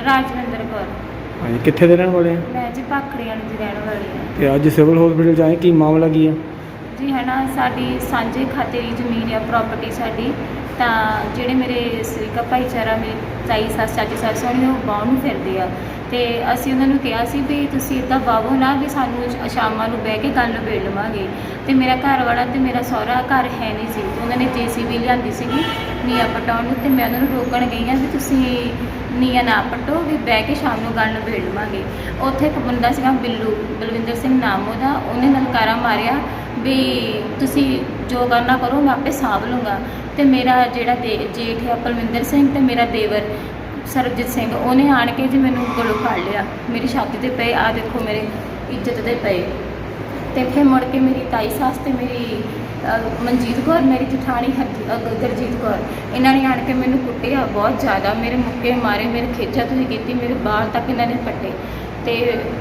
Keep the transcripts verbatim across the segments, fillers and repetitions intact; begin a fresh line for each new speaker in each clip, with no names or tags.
ਰਾਜਵਿੰਦਰ ਕੌਰ।
हाँ जी, कितने ਦੇ ਰਹਿਣ ਵਾਲੇ ਆ?
ਮੈਂ ਜੀ ਭਾਖੜੀਆਂ ਦੀ ਰਹਿਣ ਵਾਲੀ ਹਾਂ।
ਤੇ ਅੱਜ ਸਿਵਲ ਹਸਪੀਟਲ ਚ ਆਏ, ਕੀ ਮਾਮਲਾ ਕੀ ਆ?
ਜੀ ਹੈ ਨਾ, ਸਾਡੀ ਸਾਂਝੇ ਖਾਤੇ ਦੀ ਜ਼ਮੀਨ ਆ, ਪ੍ਰਾਪਰਟੀ ਸਾਡੀ। ਤਾਂ ਜਿਹੜੇ ਮੇਰੇ ਸਰੀਕਾ ਭਾਈਚਾਰਾ, ਮੇਰੇ ਤਾਈ ਸੱਸ, ਚਾਚੀ ਸੱਸ ਹੋਣੀ, ਉਹ ਬਾਹਰ ਨੂੰ ਫਿਰਦੇ ਆ। ਅਤੇ ਅਸੀਂ ਉਹਨਾਂ ਨੂੰ ਕਿਹਾ ਸੀ ਵੀ ਤੁਸੀਂ ਇੱਦਾਂ ਵਾਹੋ ਨਾ, ਵੀ ਸਾਨੂੰ ਸ਼- ਸ਼ਾਮਾਂ ਨੂੰ ਬਹਿ ਕੇ ਗੱਲ ਨਿਬੇੜ ਲਵਾਂਗੇ। ਅਤੇ ਮੇਰਾ ਘਰ ਵਾਲਾ ਅਤੇ ਮੇਰਾ ਸਹੁਰਾ ਘਰ ਹੈ ਨਹੀਂ ਸੀ, ਅਤੇ ਉਹਨਾਂ ਨੇ ਜੇ ਸੀ ਬੀ ਲਿਆਂਦੀ ਸੀਗੀ ਨੀਹਾਂ ਪਟਾਉਣ ਨੂੰ, ਅਤੇ ਮੈਂ ਉਹਨਾਂ ਨੂੰ ਰੋਕਣ ਗਈ ਹਾਂ ਵੀ ਤੁਸੀਂ ਨੀਹਾਂ ਨਾ ਪੱਟੋ, ਵੀ ਬਹਿ ਕੇ ਸ਼ਾਮ ਨੂੰ ਗੱਲ ਨਿਬੇੜ ਲਵਾਂਗੇ। ਉੱਥੇ ਇੱਕ ਬੰਦਾ ਸੀਗਾ ਬਿੱਲੂ, ਬਲਵਿੰਦਰ ਸਿੰਘ ਨਾਮ ਉਹਦਾ, ਉਹਨੇ ਲਲਕਾਰਾ ਮਾਰਿਆ ਵੀ ਤੁਸੀਂ ਜੋ ਕਰਨਾ ਕਰੋ, ਮੈਂ ਆਪੇ ਸਾਂਭ ਲੂੰਗਾ। ਅਤੇ ਮੇਰਾ ਜਿਹੜਾ ਦੇ ਜੇਠ ਆ ਪਲਵਿੰਦਰ ਸਿੰਘ, ਅਤੇ ਮੇਰਾ ਦੇਵਰ ਸਰਬਜੀਤ ਸਿੰਘ, ਉਹਨੇ ਆਣ ਕੇ ਜੀ ਮੈਨੂੰ ਗਲੋਂ ਫੜ ਲਿਆ, ਮੇਰੀ ਛਾਤੀ 'ਤੇ ਪਏ, ਆਹ ਦੇਖੋ ਮੇਰੇ ਇੱਜ਼ਤ ਦੇ ਪਏ। ਅਤੇ ਫਿਰ ਮੁੜ ਕੇ ਮੇਰੀ ਤਾਈ ਸੱਸ ਅਤੇ ਮੇਰੀ ਅ, ਮਨਜੀਤ ਕੌਰ, ਮੇਰੀ ਜਠਾਣੀ ਹਰਜੀ ਅ, ਗੁਰਜੀਤ ਕੌਰ, ਇਹਨਾਂ ਨੇ ਆਣ ਕੇ ਮੈਨੂੰ ਕੁੱਟਿਆ ਬਹੁਤ ਜ਼ਿਆਦਾ, ਮੇਰੇ ਮੁੱਕੇ ਮਾਰੇ, ਮੇਰੇ ਖੇਚਾ ਤੁਸੀਂ ਕੀਤੀ, ਮੇਰੇ ਬਾਲ ਤੱਕ ਇਹਨਾਂ ਨੇ ਪੱਟੇ। ਅਤੇ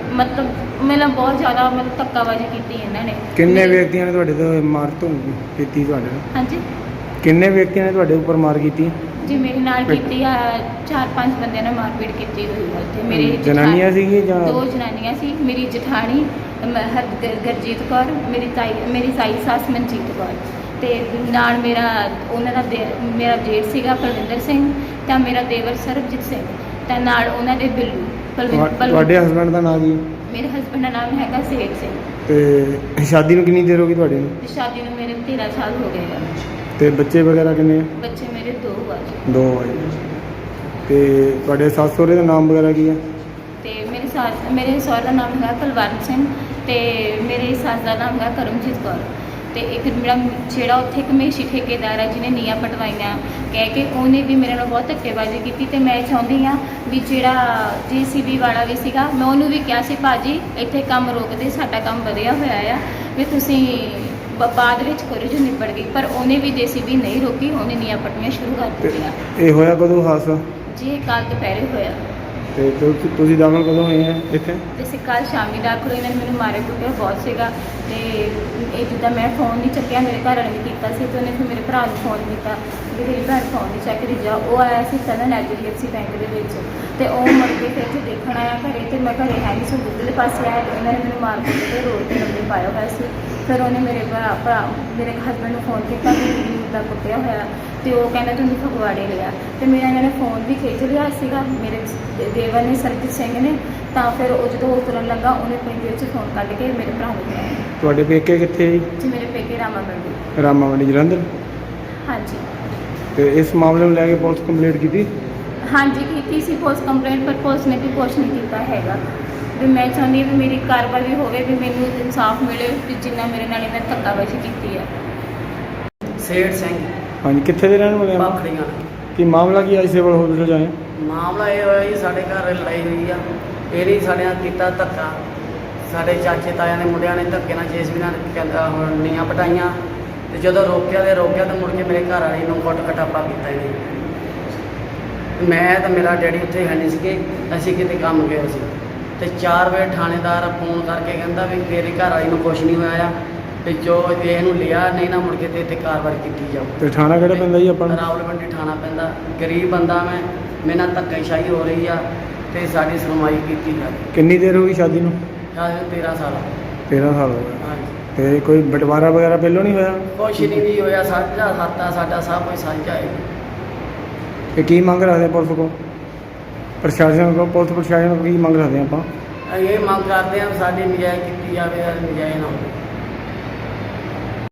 ਮਤਲਬ ਮੈਨੂੰ ਬਹੁਤ ਜ਼ਿਆਦਾ ਮਤਲਬ ਧੱਕਾਬਾਜ਼ੀ ਕੀਤੀ ਇਹਨਾਂ ਨੇ।
ਕਿੰਨੇ
ਮੇਰੇ-
ਵਿਅਕਤੀਆਂ ਨੇ ਤੁਹਾਡੇ ਤੋਂ ਮਾਰ ਤੋਂ ਕੀਤੀ? ਤੁਹਾਡੇ ਨਾਲ
ਹਾਂਜੀ
ਕਿੰਨੇ ਵਿਅਕਤੀਆਂ ਨੇ ਤੁਹਾਡੇ ਉੱਪਰ ਮਾਰ ਕੀਤੀ?
ਜੀ, ਮੇਰੇ ਨਾਲ ਕੀਤੀ ਆ, ਚਾਰ ਪੰਜ ਬੰਦਿਆਂ ਨੇ ਮਾਰਪੀਟ ਕੀਤੀ ਹੋਈ ਹੈ ਉੱਥੇ। ਮੇਰੀ
ਜਨਾਨੀਆਂ ਸੀਗੀ ਜਾਂ?
ਦੋ ਜਨਾਨੀਆਂ ਸੀ, ਮੇਰੀ ਜਠਾਣੀ ਮ- ਹਰ ਗ- ਗੁਰਜੀਤ ਕੌਰ, ਮੇਰੀ ਤਾਈ ਮੇਰੀ ਤਾਈ ਸੱਸ ਮਨਜੀਤ ਕੌਰ, ਅਤੇ ਨਾਲ ਮੇਰਾ ਉਹਨਾਂ ਦਾ ਦੇ ਮੇਰਾ ਜੇਠ ਸੀਗਾ ਪਲਵਿੰਦਰ ਸਿੰਘ, ਤਾਂ ਮੇਰਾ ਦੇਵਰ ਸਰਬਜੀਤ ਸਿੰਘ, ਤਾਂ ਨਾਲ ਉਹਨਾਂ ਦੇ ਬਿੱਲੂ ਪਲਵਿੰ-
ਤੁਹਾ-
ਪਲਵਿੰ-
ਤੁਹਾਡੇ ਹਸਬੈਂਡ ਦਾ ਨਾਮ ਕੀ?
ਮੇਰੇ ਹਸਬੈਂਡ ਦਾ ਨਾਮ ਹੈਗਾ ਸੇਠ ਸਿੰਘ।
ਤੇ ਸ਼ਾਦੀ ਨੂੰ ਕਿੰਨੀ ਦੇਰ ਹੋ ਗਈ ਤੁਹਾਡੇ ਨੂੰ?
ਤੇ ਸ਼ਾਦੀ ਨੂੰ ਮੇਰੇ ਤੇਰ੍ਹਾਂ ਸਾਲ ਹੋ ਗਏ ਆ।
ਤੇ ਬੱਚੇ ਵਗੈਰਾ ਕਿੰਨੇ ਆ?
ਬੱਚੇ ਮੇਰੇ ਦੋ ਆ ਜੀ।
ਦੋ ਆ ਜੀ। ਤੇ ਤੁਹਾਡੇ ਸੱਸ ਸਹੁਰੇ ਦਾ ਨਾਮ ਵਗੈਰਾ ਕੀ ਆ?
ਤੇ ਮੇਰੇ ਸੱਸ ਮੇਰੇ ਸਹੁਰੇ ਦਾ ਨਾਮ ਹੈਗਾ ਕੁਲਵੰਤ ਸਿੰਘ, ਤੇ ਮੇਰੇ ਸੱਸ ਦਾ ਨਾਮ ਹੈਗਾ ਕਰਮਜੀਤ ਕੌਰ। ਤੇ ਇੱਕ ਮੇਰਾ ਜਿਹੜਾ ਉੱਥੇ ਕਮੇਸ਼ੀ ਠੇਕੇਦਾਰ ਆ ਜਿਹਨੇ ਨੀਹਾਂ ਪਟਵਾਈਆਂ ਕਹਿ ਕੇ, ਉਹਨੇ ਵੀ ਮੇਰੇ ਨਾਲ ਬਹੁਤ ਧੱਕੇਬਾਜ਼ੀ ਕੀਤੀ। ਤੇ ਮੈਂ ਚਾਹੁੰਦੀ ਹਾਂ ਵੀ ਜਿਹੜਾ ਜੇ ਸੀ ਬੀ ਵਾਲਾ ਵੀ ਸੀਗਾ, ਮੈਂ ਉਹਨੂੰ ਵੀ ਕਿਹਾ ਸੀ ਭਾਜੀ ਇੱਥੇ ਕੰਮ ਰੋਕ ਦੇ, ਸਾਡਾ ਕੰਮ ਵਧਿਆ ਹੋਇਆ ਆ, ਵੀ ਤੁਸੀਂ ਬ- ਬਾਅਦ ਵਿੱਚ ਕਰੋ ਜੋ ਨਿਬੜ ਗਈ। ਪਰ ਉਹਨੇ ਵੀ ਜੇ ਸੀ ਬੀ ਨਹੀਂ ਰੋਕੀ, ਉਹਨੇ ਨੀਹਾਂ ਪੱਟਣੀਆਂ ਸ਼ੁਰੂ ਕਰ
ਤੇ
ਦਿੱਤੀਆਂ।
ਇਹ ਹੋਇਆ ਕਦੋਂ ਹਾਦਸਾ?
ਜੀ ਇਹ ਕੱਲ੍ਹ ਦੁਪਹਿਰੇ ਹੋਇਆ।
ਤੇ ਤੁ- ਤੁਸੀਂ ਦਾਖਲ ਕਦੋਂ ਹੋਏ ਆ ਇੱਥੇ?
ਤੇ ਅਸੀਂ ਕੱਲ੍ਹ ਸ਼ਾਮੀ ਦਾਖਲ ਹੋਏ, ਇਹਨਾਂ ਨੇ ਮੈਨੂੰ ਮਾਰੇ ਕੁੱਟਿਆ ਬਹੁਤ ਸੀਗਾ। ਤੇ ਇਹ ਜਿੱਦਾਂ ਮੈਂ ਫੋਨ ਨਹੀਂ ਚੱਕਿਆ, ਮੇਰੇ ਘਰ ਵਾਲੇ ਨੇ ਕੀਤਾ ਸੀ, ਤੇ ਉਹਨੇ ਫਿਰ ਮੇਰੇ ਭਰਾ ਨੂੰ ਫੋਨ ਕੀਤਾ ਵੀ ਮੇਰੀ ਭੈਣ ਫੋਨ ਨਹੀਂ ਚੱਕ ਰਹੀ, ਜਾ। ਉਹ ਆਇਆ ਸੀ ਸਦਨ H D F C bank ਦੇ ਵਿੱਚ, ਤੇ ਉਹ ਮੁੜ ਕੇ ਫਿਰ ਇੱਥੇ ਦੇਖਣ ਆਇਆ ਘਰੇ, ਤੇ ਮੈਂ ਘਰੇ ਹੈ ਨਹੀਂ ਸੀ, ਦੂਜੇ ਪਾਸੇ ਆਇਆ, ਤੇ ਇਹਨਾਂ ਨੇ ਮੈਨੂੰ ਮਾਰ ਕੁੱਟ ਕੇ ਰੋਡ 'ਤੇ ਲੰਮੇ ਪਾਇਆ ਹੋਇਆ ਸੀ। ਫਿਰ ਉਹਨੇ ਮੇਰੇ ਭਰਾ ਭਰਾ ਮੇਰੇ ਹਸਬੈਂਡ ਨੂੰ ਫੋਨ ਕੀਤਾ ਕਿ ਦਾ ਕੁੱਟਿਆ ਹੋਇਆ, ਤੇ ਉਹ ਕਹਿੰਦਾ ਤੁਹਾਨੂੰ ਫਗਵਾੜੇ ਲਿਆ। ਤੇ ਮੇਰਾ ਇਹਨਾਂ ਨੇ ਫੋਨ ਵੀ ਖਿੱਚ ਲਿਆ ਸੀਗਾ ਮੇਰੇ ਦੇਵਰ ਨੇ, ਸਰਬਜੀਤ ਸਿੰਘ ਨੇ। ਤਾਂ ਫਿਰ ਉਹ ਜਦੋਂ ਉਹ ਤੁਰਨ ਲੱਗਾ, ਉਹਨੇ ਆਪਣੀ ਜੇਬ 'ਚ ਫੋਨ ਕੱਢ ਕੇ ਮੇਰੇ ਭਰਾ ਨੂੰ ਦਿੱਤਾ।
ਤੁਹਾਡੇ ਪੇਕੇ ਕਿੱਥੇ ਜੀ?
ਜੀ ਮੇਰੇ ਪੇਕੇ ਰਾਮਾ ਮੰਡੀ।
ਰਾਮਾ ਮੰਡੀ ਜਲੰਧਰ।
ਹਾਂਜੀ
ਤੇ ਇਸ ਮਾਮਲੇ ਨੂੰ ਲੈ ਕੇ ਪੁਲਿਸ ਕੰਪਲੇਂਟ ਕੀਤੀ?
ਹਾਂਜੀ ਕੀਤੀ ਸੀ ਪੁਲਿਸ ਕੰਪਲੇਂਟ, ਪਰ ਪੁਲਿਸ ਨੇ ਵੀ ਕੁਛ ਨਹੀਂ ਕੀਤਾ ਹੈਗਾ। ਵੀ ਮੈਂ ਚਾਹੁੰਦੀ ਹਾਂ ਵੀ ਮੇਰੀ ਕਾਰਵਾਈ ਹੋਵੇ, ਵੀ ਮੈਨੂੰ ਇਨਸਾਫ ਮਿਲੇ, ਵੀ ਜਿੰਨਾ ਮੇਰੇ ਨਾਲ ਇਹਨਾਂ ਨੇ ਧੱਕਾਬਾਜ਼ੀ ਕੀਤੀ ਹੈ।
ਸੇਠ ਸਿੰਘ
ਹਾਂਜੀ, ਕਿੱਥੇ ਦੇ ਰਹਿਣ ਵਾਲੇ ਆ?
ਭਾਖੜੀਆਂ।
ਕੀ ਮਾਮਲਾ ਕੀ ਅੱਜ ਸਿਵਲ ਹਸਪੀਟਲ ਚ ਆਏ?
ਮਾਮਲਾ ਇਹ ਹੋਇਆ ਜੀ, ਸਾਡੇ ਘਰ ਲੜਾਈ ਹੋਈ ਆ, ਇਹਨੇ ਸਾਡੇ ਨਾਲ ਕੀਤਾ ਧੱਕਾ। ਸਾਡੇ ਚਾਚੇ ਤਾਇਆਂ ਦੇ ਮੁੰਡਿਆਂ ਨੇ ਧੱਕੇ ਨਾਲ ਜੇਸੀਬੀ ਨਾਲ ਕਹਿੰਦਾ ਹੁਣ ਨੀਆਂ ਪਟਾਈਆਂ, ਤੇ ਜਦੋਂ ਰੋਕਿਆ ਤੇ ਰੋਕਿਆ ਤਾਂ ਮੁੜ ਕੇ ਮੇਰੇ ਘਰ ਵਾਲੀ ਨੂੰ ਕੁੱਟ ਕਟਾਪਾ ਕੀਤਾ ਇਹਨੇ। ਮੈਂ ਤਾਂ ਮੇਰਾ ਡੈਡੀ ਉੱਥੇ ਹੈ ਨਹੀਂ ਸੀਗੇ, ਅਸੀਂ ਕਿਤੇ ਕੰਮ ਗਏ ਸੀ। ਤੇ ਚਾਰ ਵਜੇ ਥਾਣੇਦਾਰ ਫੋਨ ਕਰਕੇ ਕਹਿੰਦਾ ਵੀ ਮੇਰੀ ਘਰ ਵਾਲੀ ਨੂੰ ਕੁਛ ਨਹੀਂ ਹੋਇਆ ਆ, ਤੇ ਜੋ ਇਹਨੂੰ ਲਿਆ, ਨਹੀਂ ਨਾ ਮੁੜ ਕੇ ਤੇ ਇੱਥੇ ਕਾਰਵਾਈ ਕੀਤੀ ਜਾਊ।
ਤੇ ਥਾਣਾ ਕਿਹੜਾ ਪੈਂਦਾ ਜੀ ਆਪਾਂ ਨੂੰ?
ਰਾਵਲਪਿੰਡੀ ਥਾਣਾ ਪੈਂਦਾ। ਗਰੀਬ ਬੰਦਾ ਮੈਂ, ਮੇਰੇ ਨਾਲ ਧੱਕੇਸ਼ਾਹੀ ਹੋ ਰਹੀ ਆ, ਤੇ ਸਾਡੀ ਸੁਣਵਾਈ ਕੀਤੀ ਜਾਵੇ।
ਕਿੰਨੀ ਦੇਰ ਹੋ ਗਈ ਸ਼ਾਦੀ ਨੂੰ?
ਸ਼ਾਇਦ ਤੇਰ੍ਹਾਂ ਸਾਲ।
ਤੇਰ੍ਹਾਂ ਸਾਲ ਹੋ ਗਏ।
ਹਾਂਜੀ,
ਤੇ ਕੋਈ ਬਟਵਾਰਾ ਵਗੈਰਾ ਪਹਿਲੋਂ ਨਹੀਂ ਹੋਇਆ?
ਕੁਛ ਨਹੀਂ ਜੀ ਹੋਇਆ, ਸਾਂਝਾ ਖਾਤਾ ਸਾਡਾ ਸਭ ਕੁਝ ਸਾਂਝਾ ਹੈ।
ਤੇ ਕੀ ਮੰਗ ਰੱਖਦੇ ਆ ਪੁਲਿਸ ਕੋਲ, ਪ੍ਰਸ਼ਾਸਨ ਕੋਲ? ਪੁਲਿਸ ਪ੍ਰਸ਼ਾਸਨ ਕੋਲ ਕੀ ਮੰਗ ਰੱਖਦੇ ਆ ਆਪਾਂ?
ਇਹ ਮੰਗ ਕਰਦੇ ਹਾਂ ਵੀ ਸਾਡੀ ਨਜਾਇਜ਼ ਕੀਤੀ ਜਾਵੇ, ਨਜਾਇਜ਼ ਨਾ ਹੋਵੇ।